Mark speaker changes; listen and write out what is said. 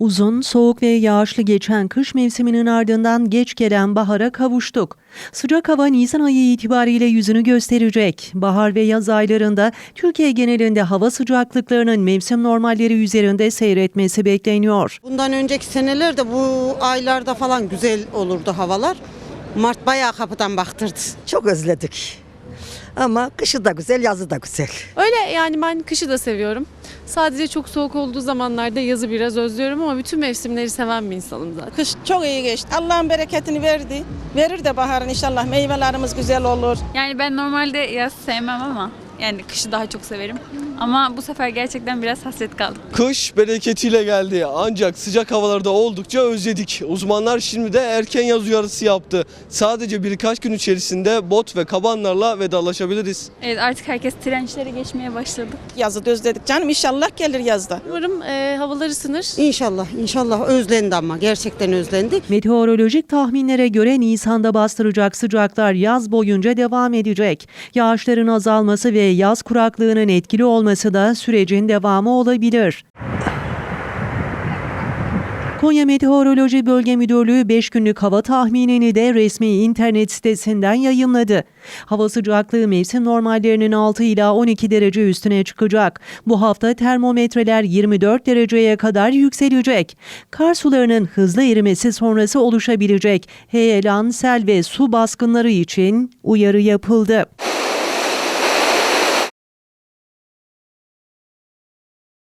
Speaker 1: Uzun, soğuk ve yağışlı geçen kış mevsiminin ardından geç gelen bahara kavuştuk. Sıcak hava Nisan ayı itibariyle yüzünü gösterecek. Bahar ve yaz aylarında Türkiye genelinde hava sıcaklıklarının mevsim normalleri üzerinde seyretmesi bekleniyor.
Speaker 2: Bundan önceki senelerde bu aylarda falan güzel olurdu havalar. Mart bayağı kapıdan baktırdı.
Speaker 3: Çok özledik. Ama kışı da güzel, yazı da güzel.
Speaker 4: Öyle yani ben kışı da seviyorum. Sadece çok soğuk olduğu zamanlarda yazı biraz özlüyorum ama bütün mevsimleri seven bir insanım zaten.
Speaker 5: Kış çok iyi geçti. Allah'ın bereketini verdi. Verir de baharın inşallah. Meyvelerimiz güzel olur.
Speaker 6: Yani ben normalde yaz sevmem ama yani kışı daha çok severim. Ama bu sefer gerçekten biraz hasret kaldım.
Speaker 7: Kış bereketiyle geldi ancak sıcak havalarda oldukça özledik. Uzmanlar şimdi de erken yaz uyarısı yaptı. Sadece birkaç gün içerisinde bot ve kabanlarla vedalaşabiliriz.
Speaker 6: Evet, artık herkes trençlere geçmeye başladı.
Speaker 5: Yazı da özledik canım. İnşallah gelir yazda.
Speaker 4: Umarım havalar ısınır.
Speaker 2: İnşallah özlendi ama gerçekten özlendi.
Speaker 1: Meteorolojik tahminlere göre Nisan'da bastıracak sıcaklar yaz boyunca devam edecek. Yağışların azalması ve yaz kuraklığının etkili olması da sürecin devamı olabilir. Konya Meteoroloji Bölge Müdürlüğü 5 günlük hava tahminini de resmi internet sitesinden yayımladı. Hava sıcaklığı mevsim normallerinin 6 ila 12 derece üstüne çıkacak. Bu hafta termometreler 24 dereceye kadar yükselecek. Kar sularının hızlı erimesi sonrası oluşabilecek heyelan, sel ve su baskınları için uyarı yapıldı.